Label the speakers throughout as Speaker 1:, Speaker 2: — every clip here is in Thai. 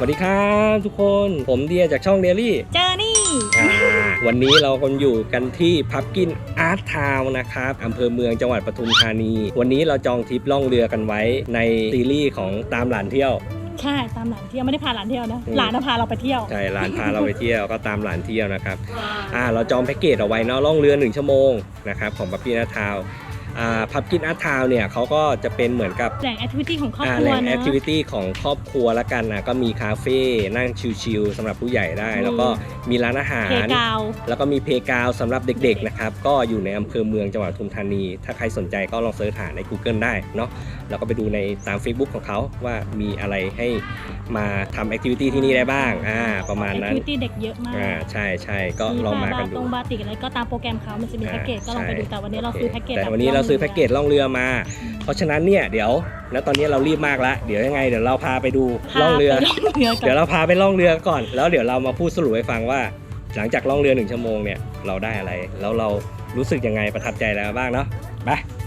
Speaker 1: วัสดีครับทุกคนผมเดียจากช่องเดลี่
Speaker 2: เจอนี่
Speaker 1: วันนี้เราคนอยู่กันที่พับกินอาร์ตทาวน์นะครับอำเภอเมืองจังหวัดปทุมธานีวันนี้เราจองทริปล่องเรือกันไว้ในซีรีส์ของตามหลานเที่ยว
Speaker 2: ใช่ตามหลานเที่ยวไม่ได้พาหลานเที่ยวนะหลานพาเราไปเที่ยว
Speaker 1: ใช่หลานพาเราไปเที่ยวก็ตามหลานเที่ยวนะครับเราจองแพ็กเกจเอาไว้เนาะล่องเรือ1 ชั่วโมงนะครับของพับกินอาร์ตทาวน์พับกินอาร์ตทาวน์เนี่ยเขาก็จะเป็นเหมือนกับ
Speaker 2: แหล่งแอคทิวิตี้ของครอบครัว
Speaker 1: แหล่งแอคทิวิตี้ของครอบครัวละกันนะก็มีคาเฟ่นั่งชิลๆสำหรับผู้ใหญ่ได้แล้วก็มีร้านอาหารแล้วก็มีเพลย์กราวด์สำหรับเด็กๆนะครับก็อยู่ในอำเภอเมืองจังหวัดปทุมธานีถ้าใครสนใจก็ลองเสิร์ชหาใน Google ได้เนาะแล้วก็ไปดูในตาม Facebook ของเขาว่ามีอะไรให้มาทำแอคทิวิตี้ที่นี่ได้บ้างประมาณนั้น
Speaker 2: แอคทิวิตี้เด็กเยอะมาก
Speaker 1: ใช่ก็ลองมากันดู
Speaker 2: บาติกอะไรก็ตามโปรแกรมเขามันจะมีแพ็กเกจก็ลองไปดูแต่วันนี้เราซื้อแพ็กเกจ
Speaker 1: แต่วันนี้เราซื้อแพ็กเกจล่องเรือมาเพราะฉะนั้นเนี่ยเดี๋ยวแล้วตอนนี้เรารีบมากแล้วเดี๋ยวยังไงเดี๋ยวเราพาไปดูล่องเรือเดี๋ยวเราพาไปล่องเรือก่อนแล้วเดี๋ยวเรามาพูดสรุปให้ฟังว่าหลังจากล่องเรือ1 ชั่วโมงเนี่ยเราได้อะไรแล้วเรารู้สึกยังไงประทับใจแล้วบ้างเนาะไป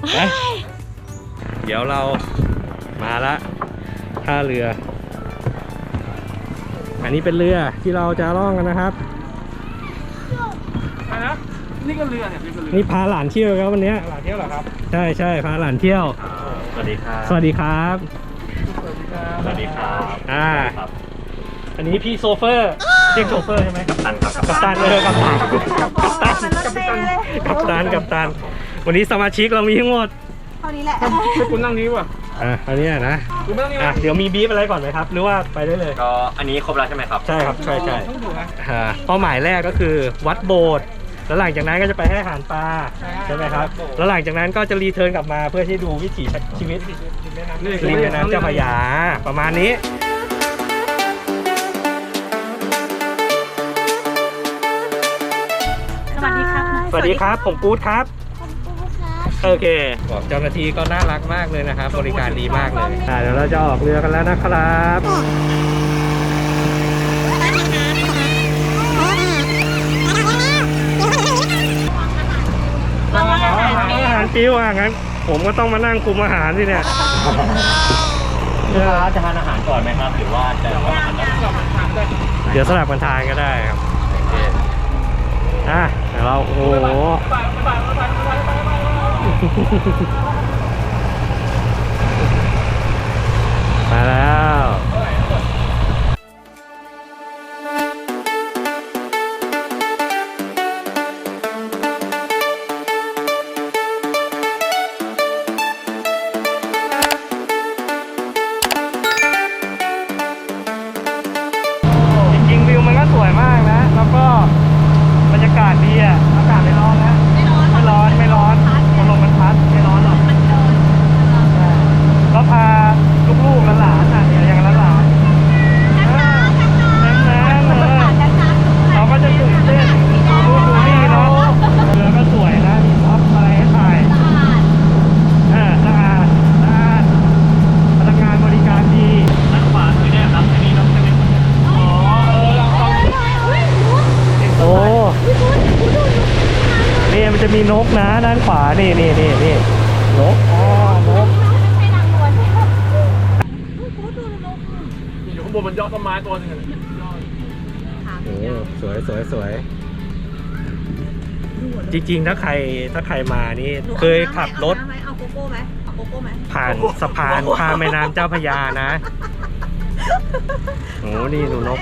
Speaker 1: เดี๋ยวเรามาละท่าเรืออันนี้เป็นเรือที่เราจะล่องกันนะครับ
Speaker 3: นี่ก็เรือเนี่ย
Speaker 1: นี่พาหลานเที่ยวครับวันนี้
Speaker 3: หลานเที่ยวเหรอครับ
Speaker 1: ใช่พาหลานเที่ยว
Speaker 3: สวัสดีครับ
Speaker 1: สวัสดีครับ
Speaker 3: สวัสดีครับ
Speaker 1: อันนี้พี่โซเฟอร์เรียกโซเฟอร์ใช่ไหมกัปตันครับกัปตันวันนี้สมาชิกเรามีทั้งหมด
Speaker 2: เท่านี้แหละ
Speaker 3: ให้คุณนั่งนี้ว่ะ
Speaker 1: อันนี้นะเดี๋ยวมีบีฟอะไรก่อนไหมครับหรือว่าไปได้เลย
Speaker 3: ก็อันนี้ครบแล้วใช่ไหมครับ
Speaker 1: ใช่ครับใช่เป้าหมายแรกก็คือวัดโบสถ์แล้วหลังจากนั้นก็จะไปให้อาหารปลาใช่ไหมครับแล้วหลังจากนั้นก็จะรีเทิร์นกลับมาเพื่อที่ดูวิถีชีวิตริมแม่น้ำเจ้าพระยาประมาณนี้สวัสดีครับผมกู๊ดครับโอเคบอกเจ้าหน้าที่ก็น่ารักมากเลยนะครับบริการดีมากเลยเดี๋ยวเราจะออกเรือกันแล้วนะครับอาหารปิ้วงั้นผมก็ต้องมานั่งคุมอาหารสิเนี่ย
Speaker 3: จะทานอาหารก่อนไหมครับหรือว่าจะ
Speaker 1: เดี๋ยวสลับกันทานก็ได้ครับเราโอ้โหมาแล้วจริงๆวิวมันก็สวยมากนะแล้วก็บรรยากาศดีอากาศไม่ร้อนนะไม่ร้อนลมมันพัดไม่ร้อนหรอกก็พาลูกๆหลานอย่างหลานเขาก็จะตื่นเต้นดูนี่เนาะเรือก็สวยนะมีท็อปอะไรให้ถ่ายสะอาดพนักงานบริการดี
Speaker 3: ด้านขวาคือเนี่ยครับอันนี้น้องจะเป็น
Speaker 1: โอ้นี่มันจะมีนกนะด้านขวานี่นกนก
Speaker 3: อยู่ข้างบนมันยอดต้นไม้ตัวนึง
Speaker 1: สวยจริงๆถ้าใครมานี่เคยขับรถผ่านสะพานข้ามแม่น้ำเจ้าพระยานะโอ้นี่ดูนก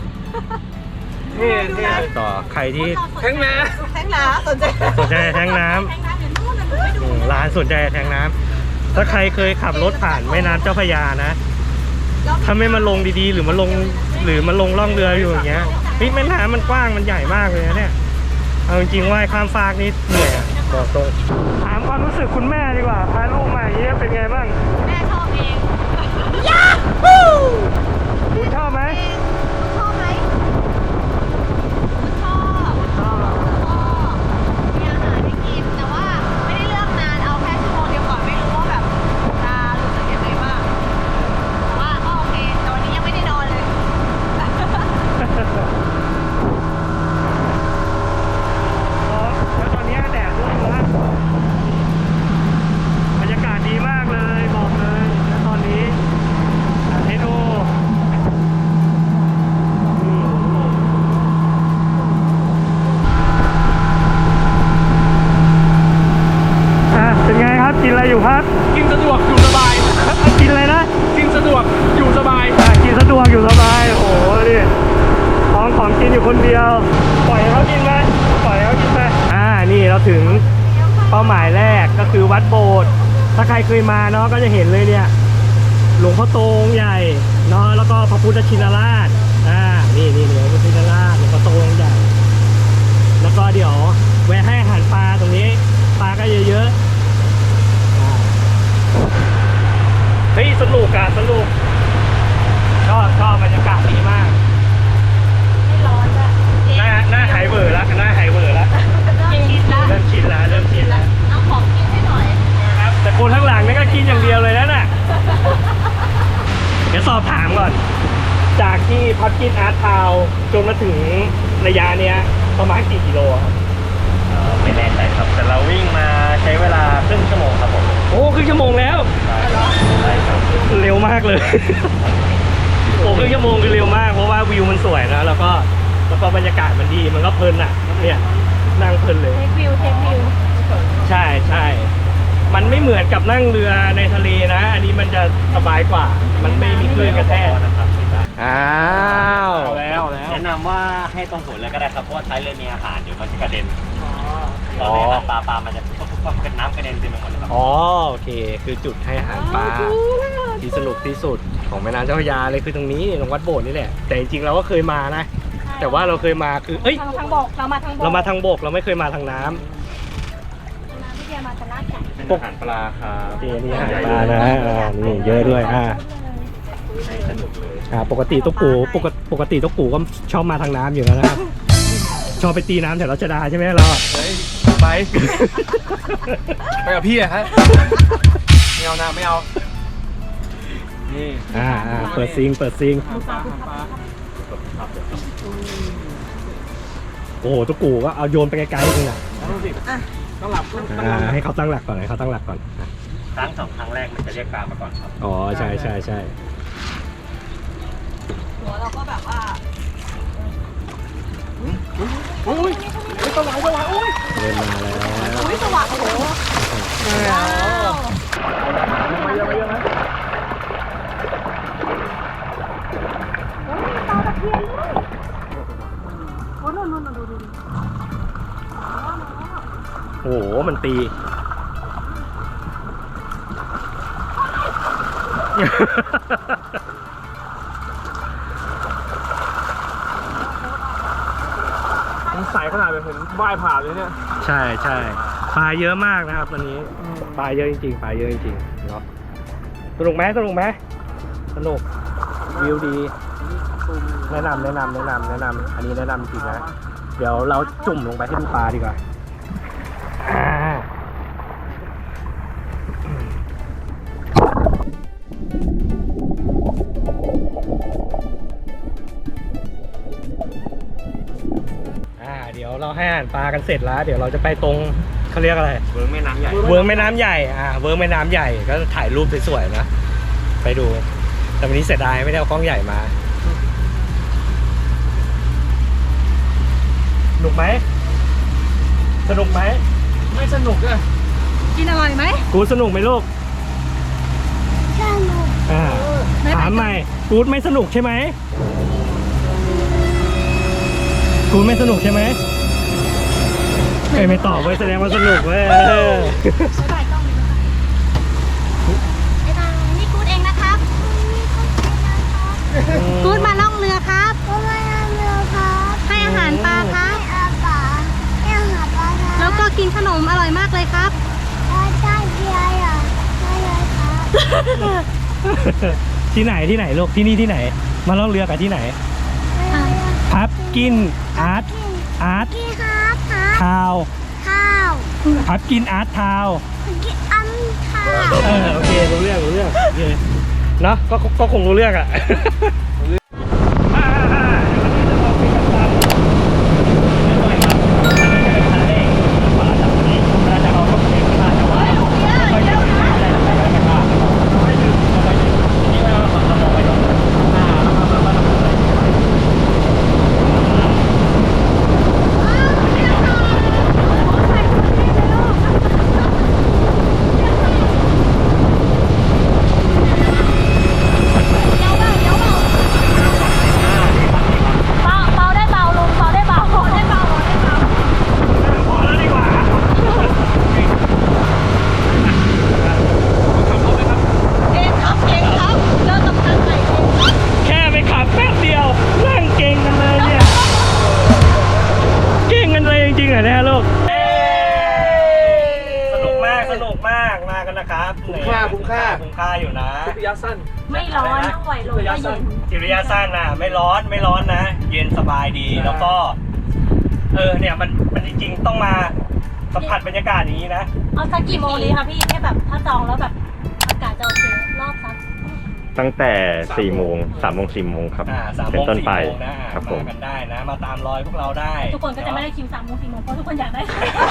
Speaker 1: นี่ต่อใครที่
Speaker 3: แทงน้
Speaker 1: ำสนใจแทงน้ำร้านสนใจแทงน้ำถ้าใครเคยขับรถผ่านแม่น้ำเจ้าพระยานะถ้าไม่มาลงดีๆหรือมาลงล่องเรืออยู่อย่างเงี้ยแม่น้ำมันกว้างมันใหญ่มากเลยนะเนี่ยเอาจริงๆว่ายข้ามฟากนี่เหนื่อยบอกตรงถามความรู้สึกคุณแม่ดีกว่าพาลูกมาอย่างเงี้ยเป็นไงบ้าง
Speaker 2: แม่ชอบเอง
Speaker 1: ยาฮูคุณชอบไหม
Speaker 2: มีอาหารให้กินแต่ว่าไม่ได้เลือกนานเอาแค่ชั่วโมงเดียวก่อนไม่รู้ว่าแบบจะรู้สึกยังไงบ้างแต่ว่าก็โอเคแต่วันนี้ยังไม่ได้นอนเลย
Speaker 1: แล้วตอนนี้แดดร่มแล้วบรรยาอยู่พัก
Speaker 3: กินสะดวกอยู่สบาย
Speaker 1: กินอะไรนะ
Speaker 3: กินสะดวกอยู่สบาย
Speaker 1: กินสะดวกอยู่สบายโอ้โหนี่ของกินอยู่คนเดียวปล่อยให้เขากินไหมปล่อยให้เขากินไปนี่เราถึงเป้าหมายแรกก็คือวัดโบสถ์ถ้าใครเคยมาเนาะก็จะเห็นเลยเนี่ยหลวงพ่อโตองค์ใหญ่เนาะแล้วก็พระพุทธชินราชนี่หลวงพ่อชินราชหลวงพ่อโตองค์ใหญ่แล้วก็เดี๋ยวแวะให้อาหารปลาตรงนี้ปลาก็เยอะๆเฮ้ยสนุกอะสนุกชอบบรรยากาศดีมาก
Speaker 2: ไม่ร้อนอะ
Speaker 1: หน้าหายเบื่อแล้วหน้าหายเบื่อแล้ว
Speaker 2: เริ่มชินละ
Speaker 1: เริ่มชินแล้ว
Speaker 2: เอาของกินให้หน่อย
Speaker 1: ครับแต่คนข้างหลังนี่ก็กินอย่างเดียวเลยนะน่ะเดี๋ยวสอบถามก่อนจากที่พับกินอาร์ตทาวน์จนมาถึงระยะเนี้ยประมาณกี่กิโลครับ
Speaker 4: ไม่แน่ใจครับ แต่เราวิ่งมาใช้เวลาครึ่งชั่วโมงครับผม
Speaker 1: โอ้ครึ่งชั่วโมงแล้ว
Speaker 4: ใช่ครับ
Speaker 1: เร็วมากเลย โอ้ครึ่งชั่วโมงคือเร็วมากเพราะว่าวิวมันสวยนะแล้วก็บรรยากาศมันดีมันก็เพลินอ่ะเนี่ยนั่งเพลินเลย
Speaker 2: เทควิว
Speaker 1: ใช่มันไม่เหมือนกับนั่งเรือในทะเลนะ อันนี้มันจะสบายกว่า มันไม่มีคลื่นกระแทก
Speaker 4: นะครับ
Speaker 1: อ้าว
Speaker 3: เอาแล้วเอาแล้ว
Speaker 4: แนะนำว่าให้ตรงศูนย์เลยก็ได้ครับ เพราะว่าท้ายเรือมีอาหารเดี๋ยวมันจะกระเด็นตอนนี้อาหารปลามันจะปุ๊บเป็นน้ำกระเด็นเต็มไปหมดเลยครับ
Speaker 1: อ๋อโอเค คือจุดให้อาหารปลาที่สนุกที่สุดของแม่น้ำเจ้าพระยาเลยคือตรงนี้ตรงวัดโบสถ์นี่แหละ แต่จริงๆเราก็เคยมานะ แต่ว่าเราเคยมาคือ
Speaker 2: ทางบกเรามาทางบก
Speaker 1: เรามาทางบกเราไม่เคยมาทางน้ำ
Speaker 2: พี่เดียมาจะลาดไก่
Speaker 4: เป็นอาหารปลาครับ
Speaker 1: นี่อาหารปลานะนี่เยอะด้วย
Speaker 4: ให้สนุกเลย
Speaker 1: ปกติตุ๊กปู่ปกติตุ๊กปู่ก็ชอบมาทางน้ำอยู่แล้วนะครับ ชอบไปตีน้ำแถวรัชดาใช่ไหมเราอะ
Speaker 3: เฮ้ยไปกับพี่อะฮะไม่เอานะไม่เอานี่
Speaker 1: เปิดซิง
Speaker 3: ปลา
Speaker 1: โอ้โหตุ๊กปู่ก็เอาโยนไปไกลๆเลยนะ
Speaker 3: ดูสิต้องหลับ
Speaker 1: ให้เขาตั้งหลักก่อนให้เขาตั้งหลักก่อน
Speaker 4: ครั้งสองครั้งแรกมันจะเรียกปลามาก่อนครับ
Speaker 1: อ๋อใช่
Speaker 2: หัวเราก็แบบว่า
Speaker 3: อุ้ยตะวันอุ้ย
Speaker 1: เริ่มมาแล้ว
Speaker 2: อุ้ยสว่างโอ้โหว้าว
Speaker 3: มาเยอะนะ
Speaker 2: โอ้ยมีปลาตะเพียนด้วยโอ้นู่นดู
Speaker 1: โอ้โหมันตี
Speaker 3: มันใสขนาดแบบเห็นว่ายผ่านเลยเนี่ย
Speaker 1: ใช่ปลาเยอะมากนะครับวันนี้ปลาเยอะจริงๆเนาะสนุกไหมสนุกวิวดีแนะนำอันนี้แนะนำจริงนะเดี๋ยวเราจุ่มลงไปให้ดูปลาดีกว่าเดี๋ยวเราให้อาหารปลากันเสร็จแล้ว เดี๋ยวเราจะไปตรงเขาเรียกอะไร
Speaker 4: เวิร์กแม่น้ำใหญ่
Speaker 1: เวิร์กแม่น้ำใหญ่เวิร์กแม่น้ำใหญ่ก็ถ่ายรูปสวยๆนะไปดูแต่วันนี้เสียดายไม่ได้เอากล้องใหญ่มาสนุกไหม
Speaker 3: ไม่สนุกเลย
Speaker 2: กินอร่อยไหม
Speaker 1: กูดสนุกไหมลูกถามใหม่กูดไม่สนุกใช่ไหมกูดไม่สนุกใช่ไหมไม่ตอบเว้ยแสดงว่าสนุกเว้ย
Speaker 2: ถ่ายกล้องเลยนะคะนี่กูดเองนะครับกูดมาล่องเรือครับให้อาหารปลาครับแล้วก็กินขนมอร่อยมากเลยครับ
Speaker 1: ที่ไหนลูกที่นี่ที่ไหนมาล่องเรือกับที่ไหนพับกินอาร์ตทาวพับกินอาร์ตทาวโอเครู้เรื่องโอเคเนาะก็คงรู้เรื่องอ่ะ
Speaker 3: คุ้มค่า
Speaker 1: คุ้มค่าอยู่นะ
Speaker 3: ทริประยะสั้น
Speaker 2: ไม่ร้อนปล่อยลงก็เย็น
Speaker 1: จิระยะสั้นนะไม่ร้อนนะ เย็นสบายดีแล้วก็เนี่ยมันจริงๆต้องมาสัมผัสบรรยากาศอย่างนี้นะ
Speaker 2: เอาสักกี่โมงดีคะพี่ให้แบบถ้าจองแล้วแบบอากาศจะโอเครอบสัก
Speaker 5: ตั้งแต่4 โมง 3 โมง 4 โมงครับ
Speaker 1: 3
Speaker 5: เป็
Speaker 1: โม
Speaker 5: น
Speaker 1: ง
Speaker 5: ต้น
Speaker 1: 4
Speaker 5: ไป
Speaker 1: โมงนะ
Speaker 5: ครับผม
Speaker 1: มากันได้นะ มาตามรอยพวกเราได้
Speaker 2: ทุกคนก็จะไม่ได้คิว3 โมง 4 โมงเพราะทุกคนอยากได้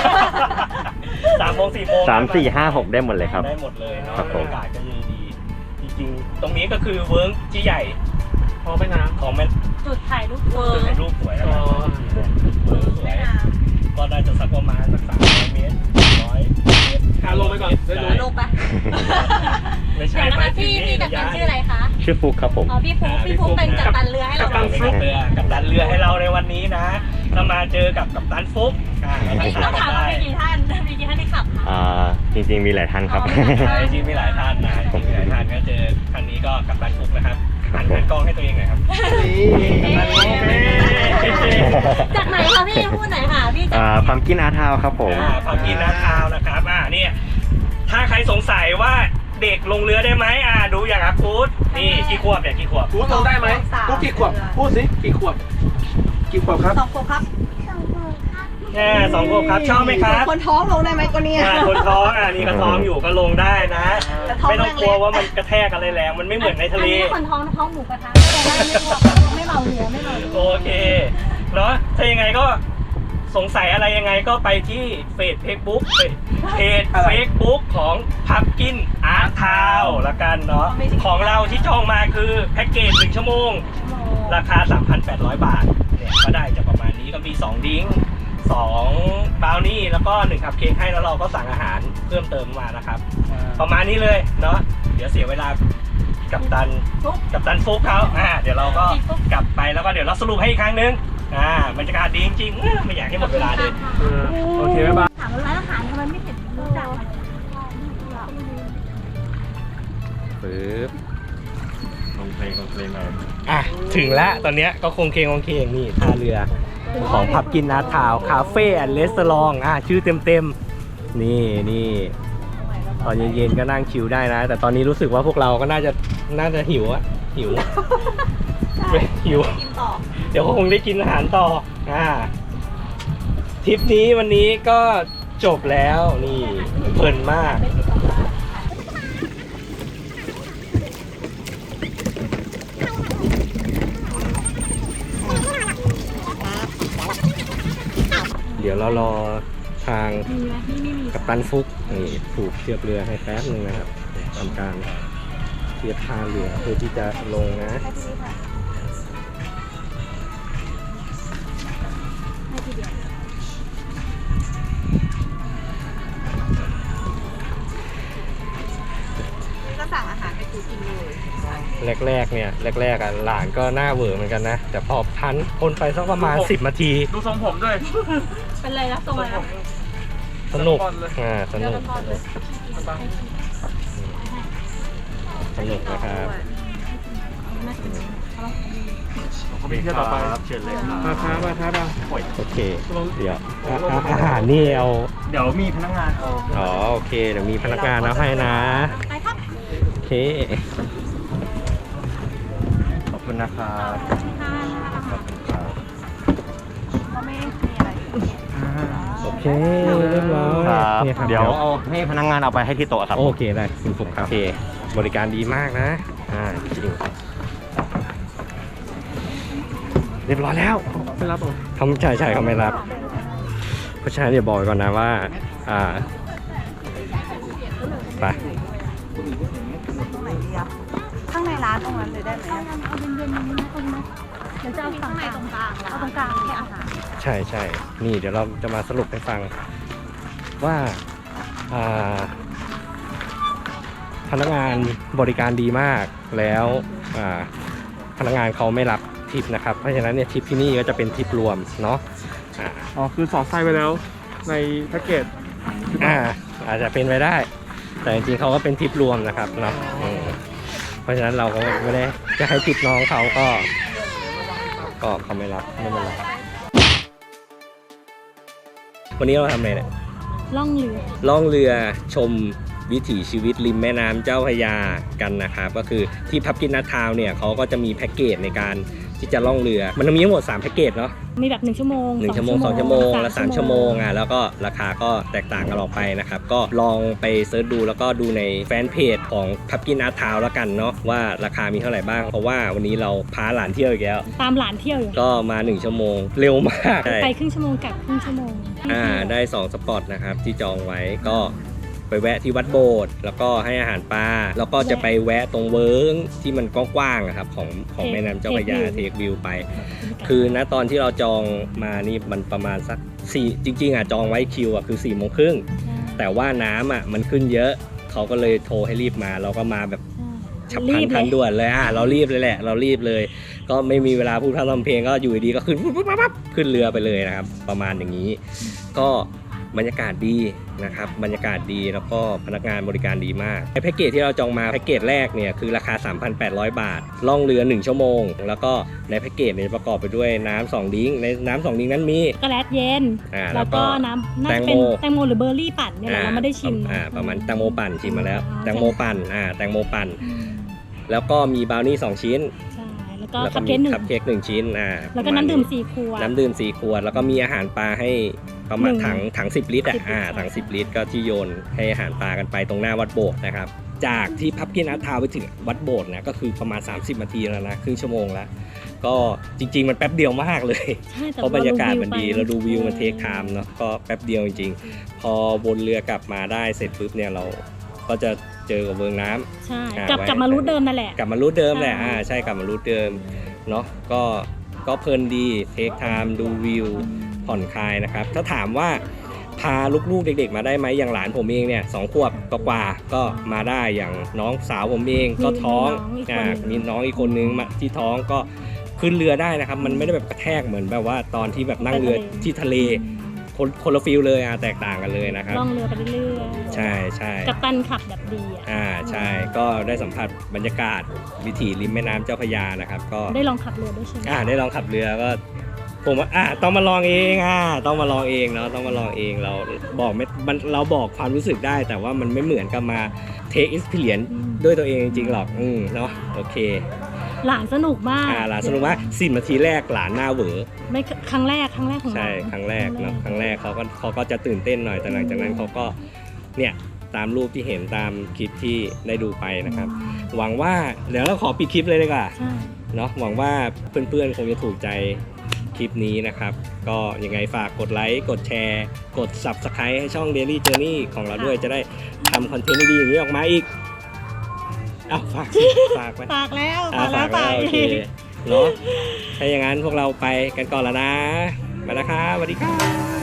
Speaker 1: 3 โมง 4 โมง
Speaker 5: 3 4 5 6 ได้หมดเลยครับ
Speaker 1: ได้หมดเลยเนาะ
Speaker 5: ครับ
Speaker 1: บ
Speaker 5: ผ
Speaker 1: ร
Speaker 5: ม
Speaker 1: รยากาศก็ดีจริงๆตรงนี้ก็คือเวิร์กที่ใหญ่
Speaker 3: พอไปน้
Speaker 1: ของแม่
Speaker 2: จุดถ่ายรูปเวิร์
Speaker 1: ถ่ายรูปสวยแล้วนะเวิร์กสวยก็ได้จะสักประมาณสัก300 เมตร100 เมตร
Speaker 3: ลงไปก่อนได้รู้
Speaker 2: ลงไป
Speaker 1: ไม่ใช่
Speaker 2: เดี๋ยวนะ
Speaker 1: ไป
Speaker 2: คะพี่กัปตันชื่ออะไรคะ
Speaker 5: ชื่อฟุกครับผม
Speaker 2: อ๋อพี่ฟุ๊กเป็นกัปตันเรือให้เรา
Speaker 1: กัปตันเรือให้เราในวันนี้นะเรามาเจอกับกัปตันฟุกเราทักทา
Speaker 2: ต้อง
Speaker 1: ยกั
Speaker 2: ถาน ม
Speaker 1: ได้
Speaker 2: ว่ามีกี่ท่านที่ขับคะ
Speaker 5: จริงๆมีหลายท่านครับ
Speaker 1: จริงๆมีหลายท่านนะมีหลายท่านก็เจอครั้งนี้ก็กัปตันฟุกนะครับหันกล้องให้ตัวเองหน่อยครับกัปตันฟุก
Speaker 2: จากไหนคะพี่พูดหน่อยค่ะพี่จาก
Speaker 5: พัมกินอาร์ทาวครับผม
Speaker 1: พอกินน้ำทาวนะครับเนี่ยถ้าใครสงสัยว่าเด็กลงเรือได้ไหมดูอย่างอัพฟูดนี่กี่ขวบเนี่ยกี่ขวบ
Speaker 3: ๆพูดลงได้ไหมพูดกี่ขวบพูดสิกี่ขวบกี่ขวบครับ
Speaker 2: 2 ขวบครับ
Speaker 1: 2 ขวบครับชอบไหมครับ
Speaker 2: คนท้องลงได้ไหมก็เนี่ย
Speaker 1: คนท้องนี่ก็ท้องอยู่ก็ลงได้นะ
Speaker 2: แต่ท้อง
Speaker 1: ไม่ต้องกลัวว่ามันกระแทกอะไรแรงมันไม่เหมือนในทะเล
Speaker 2: อันนี้คนท้องหมูกระทะไม่เมาเรือไม่เมา
Speaker 1: โอเคเนาะถ้ายังไงก็สงสัยอะไรยังไงก็ไปที่เฟซเฟซบุ๊กของพับกินอาร์ทาวละกันเนาะของเราที่จองมาคือแพ็กเกจ1 ชั่วโมง ราคา 3,800 บาทเนี่ยก็ได้จะประมาณนี้ก็มี2ดิ้ง2บราวนี่แล้วก็1คัพเค้กให้แล้วเราก็สั่งอาหารเพิ่มเติมมานะครับ ประมาณนี้เลยเนาะเดี๋ยวเสียเวลากับตันฟุกเขาเดี๋ยวเราก็กลับไปแล้วก็เดี๋ยวเราสรุปให้อีกครั้งนึงบรรยากาศดีจริงๆไม่อยากให้หมดเวลาเลย
Speaker 3: โอเคบ๊ายบาย
Speaker 2: ถามว่าร้านอาหารทำไมไม่เห็นรู้จัก
Speaker 5: ปึ๊บคอมเพลงมา
Speaker 1: ถึงแล้วตอนเนี้ยก็คงเคงนี่ท่าเรือของพับกินอาร์ทาวคาเฟ่แอนด์รีสอร์ทชื่อเต็มๆนี่ตอนเย็นๆก็นั่งชิลได้นะ แต่ตอนนี้รู้สึกว่าพวกเราก็น่าจะหิวหิว
Speaker 2: กินต่อ
Speaker 1: เดี๋ยวก็คงได้กินอาหารต่อทริปนี้วันนี้ก็จบแล้วนี่เพลินมาก เดี๋ยวเรารอทางกัปตันฟุกนี่ผูกเชือกเรือให้แป๊บนึงนะครับทำการเทียบท่าเรือเพื่อที่จะลงนะ
Speaker 2: ก็สั่งอาหารให้กูกินเลย
Speaker 1: แรกหลานก็หน้าเหวอเหมือนกันนะ แต่พอพันคนไปสักประมาณ10 นาที
Speaker 3: ดูทรงผมด้วย
Speaker 2: เป็นไรนะตรงอะไรนะ
Speaker 1: สนุก
Speaker 3: สปอนเลย
Speaker 1: สนุกนะครับ
Speaker 3: มีเที่ยวต่อไป
Speaker 5: เชิญเลยครับ
Speaker 3: มาครับ
Speaker 1: โอเค เดี๋ยวอาหารนี่เอา
Speaker 5: เดี๋ยวมีพนักงานเอา
Speaker 1: โอเค เดี๋ยวมีพนักงานเอาให้นะ
Speaker 2: ไปครับ
Speaker 1: โอเค
Speaker 5: ขอบคุณนะครับขอบคุณครับ
Speaker 2: ก็ไม่มีอะไร
Speaker 1: โอเค เรียบร้อย
Speaker 5: ครับ
Speaker 1: นี่ครับ
Speaker 5: เดี๋ยวเอาให้พนักงานเอาไปให้ที่โต๊ะครับ
Speaker 1: โอเคได้คุณฟุกครับ โอเค บริการดีมากนะ จริง เรียบร้อยแล้ว
Speaker 3: ไม่รับหรอ
Speaker 1: เขาใช่เขาไม่รับ เพราะฉะนั้นเดี๋ยวบอกไว้ก่อนนะว่า ไป
Speaker 2: ข้างในร้านตรงนั้นเลยได้ไหมเอาเย็นๆนี้นะตรงนั้นเดี๋ยวจะเอาฝั่งในตรงกลางเอาตรงกลางแค่อาหาร
Speaker 1: ใช่ นี่เดี๋ยวเราจะมาสรุปให้ฟังว่าพนักงานบริการดีมากแล้วพนักงานเขาไม่รับทิปนะครับ เพราะฉะนั้นเนี่ยทิปที่นี่ก็จะเป็นทิปรวมเนาะ
Speaker 3: อ๋อคือสอดไส้ไปแล้วในแพ็กเกจ
Speaker 1: อาจจะเป็นไปได้ แต่จริงๆเขาก็เป็นทิปรวมนะครับเนาะเพราะฉะนั้นเราก็ไม่ได้จะให้ทิปน้องเขาก็เขาไม่รับไม่เป็นไรวันนี้เราทำอะไรเนี่ย
Speaker 2: ล่องเรือ
Speaker 1: ล่องเรือชมวิถีชีวิตริมแม่น้ำเจ้าพระยากันนะครับก็คือที่พับกินนัททาวน์เนี่ยเขาก็จะมีแพ็กเกจในการที่จะล่องเรือมันมีทั้งหมด3แพ็กเกจเนาะ
Speaker 2: มีแบบ1 ชั่วโมง
Speaker 1: 1 ชั่วโมง 2 ชั่วโมงและ3 ชั่วโมงแล้วก็ราคาก็แตกต่างกันออกไปนะครับก็ลองไปเสิร์ชดูแล้วก็ดูในแฟนเพจของพับกินนัททาวน์แล้วกันเนาะว่าราคามีเท่าไหร่บ้างเพราะว่าวันนี้เราพาหลานเที่ยวอีกแล้ว
Speaker 2: ตามหลานเที่ยวอยู่
Speaker 1: ก็มา1 ชั่วโมงเร็วมาก
Speaker 2: ไปครึ่งชั่วโมงกลับครึ่งชั่วโมง
Speaker 1: ได้2 สปอตนะครับที่จองไว้ก็ไปแวะที่วัดโบสถ์แล้วก็ให้อาหารปลาแล้วก็จะไปแวะตรงเวิ้งที่มันกว้างๆครับของแม่น้ำเจ้าพระยาเทควิวไปคือณตอนที่เราจองมานี่มันประมาณสัก4จริงๆจองไว้คิวคือ4 โมงครึ่งแต่ว่าน้ำมันขึ้นเยอะเขาก็เลยโทรให้รีบมาเราก็มาแบบฉับพลันทันด่วนเลยเรารีบเลยแหละเรารีบเลยก็ไม่มีเวลาพูดพร่ำทำเพลงก็อยู่ดีก็ขึ้นปั๊บขึ้นเรือไปเลยนะครับประมาณอย่างนี้ก็บรรยากาศดีนะครับบรรยากาศดีแล้วก็พนักงานบริการดีมากในแพ็กเกจที่เราจองมาแพ็กเกจแรกเนี่ยคือราคา 3,800 บาทล่องเรือ1 ชั่วโมงแล้วก็ในแพ็กเกจเนี่ยประกอบไปด้วยน้ำ2 ดิ้งในน้ำ2 ดิ้งนั้นมี
Speaker 2: ช็อกโกแลตเย็นแล้วก็น้ำน่าจะเป็นแตงโมหรือเบอร์รี่ปั่นเนี่ยเราไม่ได้ชิม
Speaker 1: ประมาณแตงโมปั่นชิมมาแล้วแตงโมปั่นแตงโมปั่นแล้วก็มีบราวนี่2 ชิ้น
Speaker 2: แล้วก็
Speaker 1: คัพเค้ก1 ชิ้น
Speaker 2: แล้วก็น้ำดื่ม4 ขวด
Speaker 1: แล้วก็มีอาหารปลาให้ประมาณถัง10 ลิตรถัง10 ลิตรก็ที่โยนให้อาหารปลากันไปตรงหน้าวัดโบสถ์นะครับจากที่พับกินนัททาวน์ไปถึงวัดโบสถ์นะก็คือประมาณ30 นาทีแล้วนะครึ่งชั่วโมงแล้วก็จริงๆมันแป๊บเดียวมากเลยเพราะบรรยากาศมันดีเราดูวิวมันเทคไทม์เนาะก็แป๊บเดียวจริงๆพอวนเรือกลับมาได้เสร็จปุ๊บเนี่ยเราก็จะเจอกับเวิงน้ำ
Speaker 2: ใช่กลับมารูทเดิมนั่นแหละ
Speaker 1: กลับมารูทเดิมแหละใช่กลับมารูทเดิมเนาะก็เพลินดีเทคไทม์ดูวิวผ่อนคลายนะครับถ้าถามว่าพาลูกๆเด็กๆมาได้ไหมอย่างหลานผมเองเนี่ย2 ขวบกว่าก็มาได้อย่างน้องสาวผมเองก็ท้องมีน้องอีกคนนึงมาที่ท้องก็ขึ้นเรือได้นะครับมันไม่ได้แบบกระแทกเหมือนแบบว่าตอนที่แบบนั่งเรือที่ทะเลคนละฟิลเลยแตกต่างกันเลยนะครับ
Speaker 2: ล่องเรือไปเรื่อยๆ
Speaker 1: ใช่
Speaker 2: กัปตันขับแบบดี
Speaker 1: ใช่ก็ได้สัมผัสบรรยากาศวิถีริมแม่น้ำเจ้าพระยานะครับก็
Speaker 2: ได้ลองขับเรือด้วยใช่ไหม
Speaker 1: ได้ลองขับเรือก็ผมว่าต้องมาลองเองต้องมาลองเองเนาะต้องมาลองเองเราบอกไม่เราบอกความรู้สึกได้แต่ว่ามันไม่เหมือนกับมาเทค experience ด้วยตัวเองจริงๆหรอกเนาะโอเค
Speaker 2: หลานสนุกมาก
Speaker 1: หลานสนุกมาก10 นาทีแรกหลานหน้าเหวอ
Speaker 2: ไม่ครั้งแรกของ
Speaker 1: ใช่ครั้งแรกเนาะครั้งแรกเขาก็จะตื่นเต้นหน่อยแต่หลังจากนั้นเขาก็เนี่ยตามรูปที่เห็นตามคลิปที่ได้ดูไปนะครับหวังว่าเดี๋ยวเราขอปิดคลิปเลยดีกว่าเนาะหวังว่าเพื่อนๆคงจะถูกใจคลิปนี้นะครับก็ยังไงฝากกดไลค์กดแชร์กด Subscribe ให้ช่อง Daily Journey ของเราด้วยจะได้ทำคอนเทนต์ดีๆอย่างนี้ออกมาอีกฝากไป
Speaker 2: ฝากแล้ว
Speaker 1: โอเคเนาะถ้าอย่างนั้นพวกเราไปกันก่อนแล้วนะไปแล้วครับสวัสดีครับ